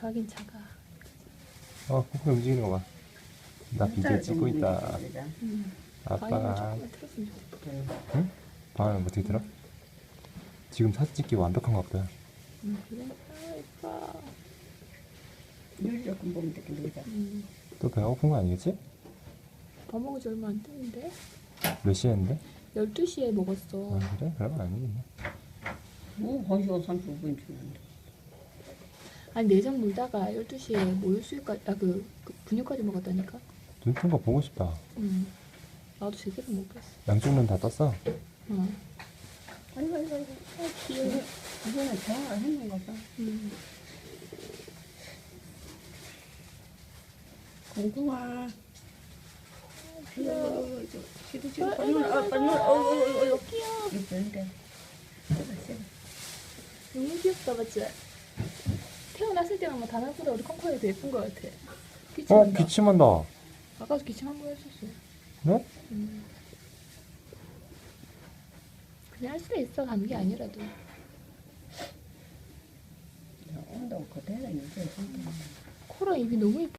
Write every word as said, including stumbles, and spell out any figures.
차긴 차가. 어, 콩콩이 움직이는 거 봐. 나 비디오 찍고 있다. 음. 아빠가. 조금만 틀었으면 좋겠다. 응? 방향은 어떻게 들어? 지금 사진 찍기 완벽한 것 같다. 음, 그래? 아, 예뻐. 눈 조금 보면 되게 놀자. 음. 또 배가 고픈 거 아니겠지? 밥 먹은 지 얼마 안 됐는데? 몇 시에 했는데? 열두 시에 먹었어. 아, 그래? 그런 거 아니겠네. 뭐, 한 시간 삼십오 분 주는데. 아니, 내장 물다가 열두 시에 모유수유까지, 아, 그, 그 분유까지 먹었다니까? 눈 뜬 거 보고 싶다. 음. 나도 제대로 먹겠어. 양쪽 눈 다 떴어? 어. 아이고, 아이고, 아이고. 아, 귀여워. 이거는 대화를 했는 거다. 음. 공공아. 귀여워. 지도 지금 빨리, 아, 빨리, 어, 어, 어, 어. 귀여워. 이쁜데. 씹어, 씹어. 너무 귀엽다, 맞지? 태어났을 때는 뭐 다나보다 우리 콩콩이 더 예쁜 것 같아. 어? 기침한다. 기침한다. 아까도 기침 한 번 했었어. 네? 음. 그냥 할 수도 있어, 감기 아니라도. 온도 그대로 유지해. 코랑 입이 너무 예뻐.